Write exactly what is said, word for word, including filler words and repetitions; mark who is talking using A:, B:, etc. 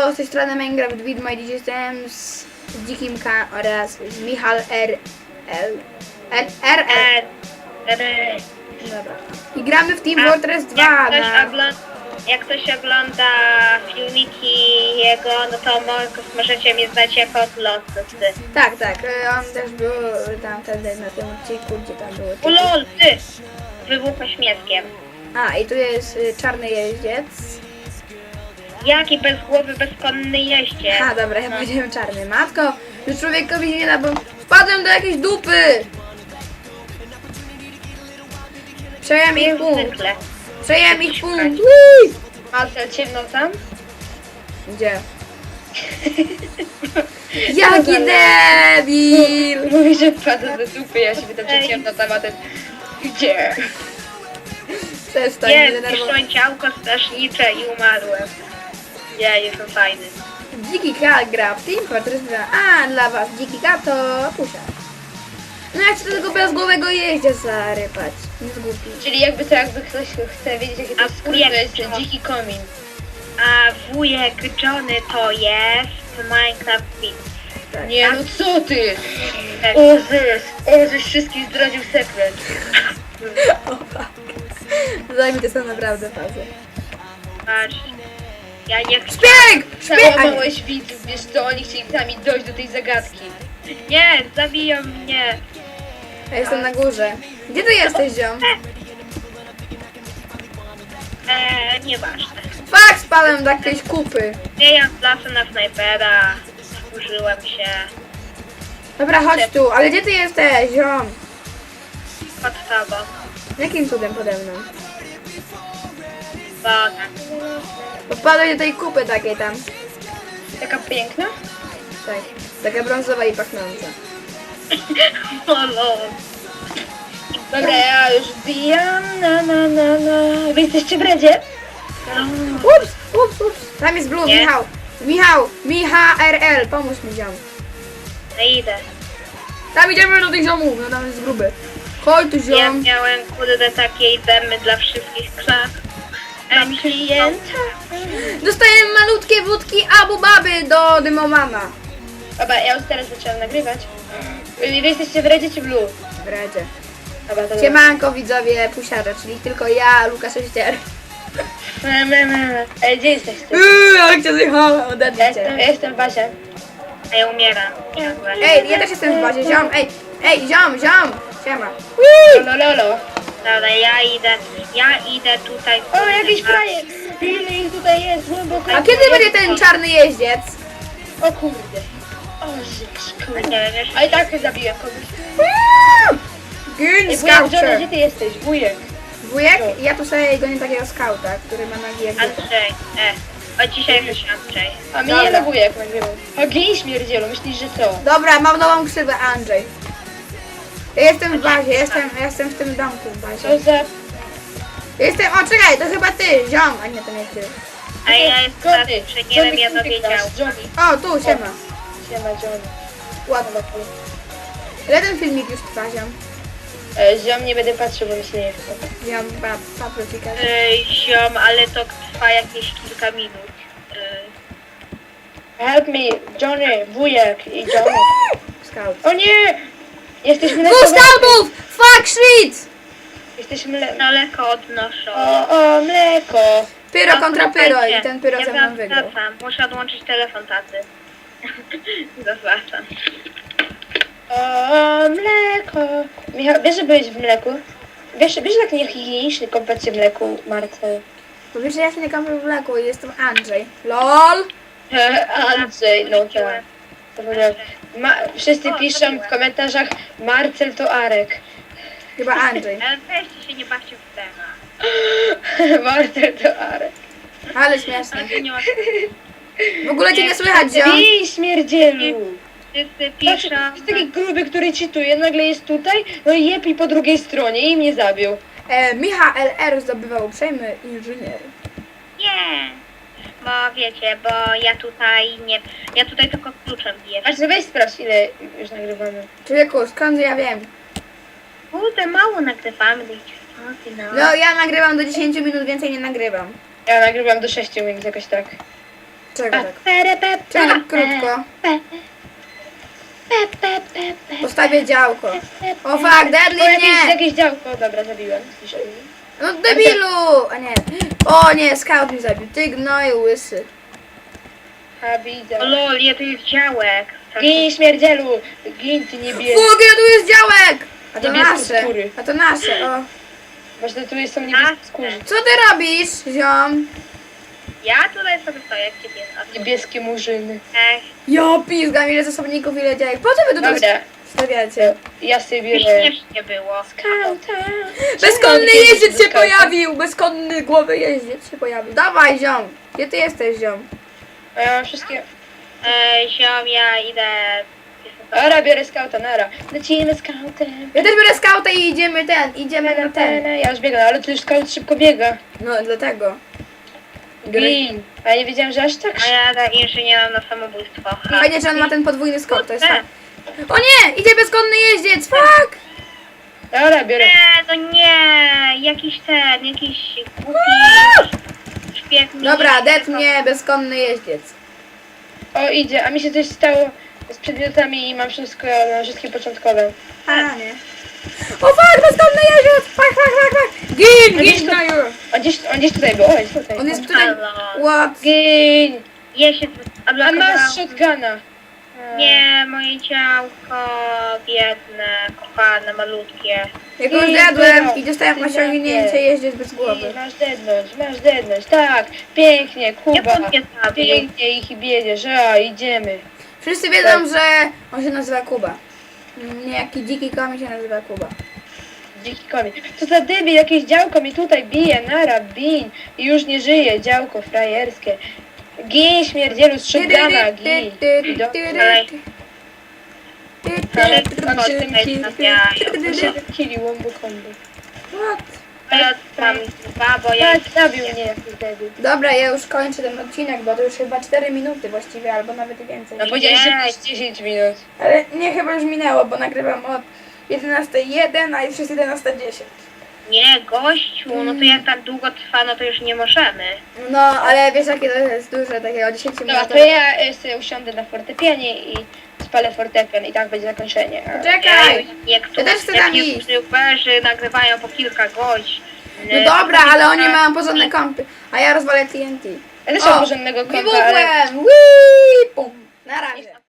A: Halo, z tej strony Minecraft Widmo i dziś jestem z Dzikim K oraz z Michal R. L. L. R. L.
B: R.
A: Dobra. I gramy w Team
B: A
A: Fortress dwa.
B: Jak ktoś,
A: Na...
B: ogląda, jak ktoś ogląda filmiki jego, no to mo- możecie mnie znać jako Losy.
A: Tak, tak. y, On też był tam wtedy na tym odcinku, gdzie tam było.
B: O lol, ty! Wybuchłeś mieckiem.
A: A, i tu jest y, czarny jeździec.
B: Jaki bezgłowy, bezkonny jeździec.
A: A, dobra, ja powiedziałem czarny. Matko, już człowiekowi nie da, bo wpadłem do jakiejś dupy. Przejąłem ich
B: Jak
A: punkt.
B: zwykle.
A: Przejąłem ich punkt. Ui!
B: Marcel, ciemno tam?
A: Gdzie? Jaki debil!
B: Mówi, że wpadł do dupy, ja się pytam, czy ciemno tam, a ten... Gdzie?
A: Przestań mnie
B: Jest,
A: denerwować.
B: piszą ciałko strasznicze i umarłem. Ja jestem fajny.
A: Dziki K gra w Team Fortress dwa. A, dla was Dziki K to pusia. No ja chcę tego bezgłowego jeździa zarypać. Nie zgłupi.
B: Czyli jakby to jakby ktoś chce wiedzieć, jaki to jest skrót, to jest ten dziki komin. A wujek Johnny to jest Minecraft Beat.
A: Tak.
B: Nie, no co ty? O zes, o żeś wszystkich zdradził sekret.
A: O fuck. Zajmie są naprawdę fazę.
B: Patrz, ja nie chcę.
A: Szpieg! Szpieg! A nie.
B: Załamałeś widzów, wiesz co, oni chcieli sami dojść do tej zagadki. Nie, zabiją mnie.
A: Ja jestem na górze. Gdzie ty jesteś, ziom?
B: Eee, nieważne.
A: Fuck, spadłem do jakiejś kupy.
B: Nie, ja lasem na snajpera. Użyłem się.
A: Dobra, chodź tu. Ale gdzie ty jesteś, ziom?
B: Pod tobą.
A: Jakim cudem pode mną?
B: Bo tak.
A: Bo wpadłeś do tej kupy takiej tam.
B: Taka piękna?
A: Tak. Taka brązowa i pachnąca.
B: O lol. Dobra, ja już wbijam, na na na na. Wy jesteście w redzie?
A: Ups, ups, ups. Tam jest blue,
B: Nie.
A: Michał. Michał, Michał R L, pomóż mi, ziom.
B: No idę.
A: Tam idziemy do tych ziomów, no tam jest gruby. Chodź tu,
B: Ja
A: ziom.
B: miałem kurde takiej demy dla wszystkich klas. Mam klienta.
A: Dostajemy malutkie wódki Abu Baby do Dymomana.
B: Dobra, ja już teraz zaczęłam nagrywać. Wy jesteście w redzie czy w blue?
A: W redzie.
B: Dobra, to
A: Siemanko widzowie pusiarza, czyli tylko ja, Lukas Ościer.
B: Me, me, me. Ej, gdzie jesteście?
A: Uuu, ale cię zjechała,
B: Ja
A: odetnij
B: jestem,
A: cię.
B: ja jestem w bazie. A ja umieram. Ciągle.
A: Ej, ja też jestem w bazie, ziom, ej, ej, ziom, ziom, siema.
B: Lolo, lolo. Dobra, ja idę, ja idę tutaj. O, jakiś frajer! Ile ich tutaj jest, głęboko.
A: A kiedy będzie ten czarny jeździec?
B: O kurde. O, żeś, kurde. Nie wiesz. A i tak zabiłem kogoś.
A: Gin
B: Ej, wujek Johnny,
A: Scouter.
B: gdzie ty jesteś? Wujek.
A: Wujek, ja tu sobie gonię takiego skauta, który ma nogi jak dziecko.
B: Andrzej, e. Od dzisiaj już Andrzej. A mnie
A: Dobra.
B: nie na wujek nagrywał. A gej śmierdzielu, myślisz, że co?
A: Dobra, mam nową ksywę, Andrzej. Ja jestem w bazie, jestem, ja jestem w tym domku w bazie.
B: Co za...
A: Jestem, o czekaj, to chyba ty, ziom, a nie, to nie ty.
B: A ja jestem
A: Johnny,
B: inżynierem jadowiedziału.
A: O, tu, siema.
B: Siema, Johnny.
A: Ładno. Ile ten filmik już trwa, ziom?
B: E, ziom, nie będę patrzył, bo mi się nie chce.
A: Ziom, pa, paprika.
B: Ej, ziom, ale to trwa jakieś kilka minut. Help me, Johnny, wujek i Johnny.
A: Scout.
B: O nie! Jesteśmy
A: Dwóch scoutów! Fuck shit!
B: Jesteśmy le... Mleko odnoszą. O, o, mleko.
A: Pyro kontra pyro i ten pyro
B: ja
A: ze mną wygrał.
B: wracam. Muszę odłączyć telefon taty. Zawracam. O, mleko. Michał, wiesz, że byłeś w mleku? Wiesz, wiesz, jak niehigieniczny kąpać się w mleku, Marcel?
A: Bo wiesz, że ja się nie kąpię w mleku i jestem Andrzej. LOL!
B: Andrzej, no tak. Zapomniałam. Ma, wszyscy piszą w komentarzach, Marcel to Arek.
A: Chyba Andrzej.
B: Ale weźcie się, nie bawcie w temat. Marcel to Arek.
A: Ale śmieszne.
B: Ale nie ma...
A: W ogóle cię nie słychać, ziom.
B: Bij, śmierdzielu! Wszyscy
C: Patrz,
B: piszą...
C: jest taki gruby, który cheatuje, nagle jest tutaj, no i jepi po drugiej stronie i mnie zabił.
A: E, Michał L R zdobywał uprzejmy inżynier.
B: Nie! Bo wiecie, bo ja tutaj nie... Ja tutaj tylko kluczem biję.
C: Aż weź sprawdź, ile już nagrywamy.
A: Człowieku, skąd ja wiem?
B: Kurde, mało nagrywamy. O, ty no.
A: No, ja nagrywam do dziesięciu minut, więcej nie nagrywam.
C: Ja nagrywam do sześciu minut jakoś tak.
A: Czego
C: A,
A: tak?
C: pere, pe,
A: Czego
C: pe,
A: tak krótko?
C: pe, pe, pe, pe, pe.
A: Postawię działko. O fuck, Deadly
C: O, jakieś,
A: nie!
C: jakieś działko, dobra, zabiłem. Słyszałem.
A: No debilu! A nie. O nie, scout mi zabił. Ty gnoju łysy.
C: A widzę.
B: O lol, je tu jest działek.
C: Gin, śmierdzielu! Gin, ty niebie...
A: Fuck, ja tu jest działek! A to
C: Niebieskie
A: nasze.
C: skóry.
A: A to nasze, o.
C: Właśnie tu jest są niebieskie skóry.
A: Co ty robisz, ziom?
B: Ja tutaj sobie stoję, jak ciebie.
C: Niebieskie murzyny.
B: Ech,
A: Ja pizgam, ile zasobników, ile działek. Po co wy tu to
C: Dobra,
A: stawiacie?
C: ja sobie
B: by
C: bierę...
B: śmiesznie było.
C: Skauta!
A: Bezkonny
C: Czemu
A: jeździec
C: kiedyś
A: się
C: skauta?
A: pojawił! Bezkonny głowy jeździec się pojawił. Dawaj, ziom! Gdzie ty jesteś, ziom?
C: A ja mam wszystkie...
B: Ej, ziom, ja idę...
C: Dobra, biorę skauta, nara. Lecimy skautem.
A: Ja też biorę skauta i idziemy ten, idziemy na ten.
C: Ja już biegam, ale tu już skaut szybko biega.
A: No, dlatego. Biorę...
C: Gin. A ja nie wiedziałem, że aż tak
B: A
C: szybko.
B: ja da inżynierem na samobójstwo. Ha.
A: Fajnie, że on ma ten podwójny skok, to jest
B: E.
A: tak. O nie! Idzie bezkonny jeździec, fuck!
C: Dobra, biorę.
B: Nie, no nie, jakiś ten, jakiś głupi szpieg mi...
A: Dobra, det mnie, bezkonny jeździec.
C: O, idzie, a mi się coś stało z przedmiotami i mam wszystko na wszystkie początkowe.
A: A, nie. O fuck, bezkonny jeździec! Fuck, fuck, fuck, fuck! Gin,
C: A gdzieś
A: gin
C: to-
A: na you!
C: On gdzieś, on gdzieś tutaj był, o, jest tutaj.
A: On jest tutaj...
B: Halo.
A: What?
C: Gin.
B: Je się
C: A masz
B: odblokowałam.
C: shotguna.
B: Nie, moje ciałko, biedne, kochane, malutkie.
A: Jak już
C: Gin,
A: zjadłem
C: no.
A: i dostałem osiągnięcie jeździec bez głowy.
C: I masz dednąć, masz dednąć, tak, pięknie,
B: Jak
C: Kuba,
B: on mnie zabił?
C: pięknie ich biedziesz, a idziemy.
A: Wszyscy wiedzą, że on się nazywa Kuba. Niejaki dziki komi się nazywa Kuba.
C: Dziki komin. Co za debil, jakieś działko mi tutaj bije, nara, bin, i już nie żyje, działko frajerskie. Gin, śmierdzielu, z shotguna, gin. I do-
B: Ale
C: Mam
B: co
C: się
B: tutaj
C: kill,
B: stawiają?
C: On się kili, łombo kombo.
A: What?
B: Ja mam dwa, bo ja...
C: Tak, zabił mnie jakiś debil.
A: Dobra, ja już kończę ten odcinek, bo to już chyba cztery minuty właściwie, albo nawet więcej.
C: No powiedziałeś, że
B: Nie.
C: masz dziesięć minut.
A: Ale nie, chyba już minęło, bo nagrywam od jedenastej jeden, a już jest jedenasta dziesięć.
B: Nie, gościu, no to jak tak długo trwa, no to już nie możemy.
A: No, ale wiesz jakie to jest duże, takie o dziesięć
C: Dobra,
A: minut.
C: to ja e, sobie usiądę na fortepianie i spalę fortepian i tak będzie zakończenie. A-
A: Czekaj!
B: Niektórzy
A: Ja też chcę tam iść.
B: youtuberzy nagrywają po kilka godzin.
A: No dobra, ale oni mają porządne kąpy, a ja rozwalę T N T.
C: Ja też
A: O,
C: mam porządnego kompa, ale...
A: Wybuchłem! Wii! Pum! Na razie.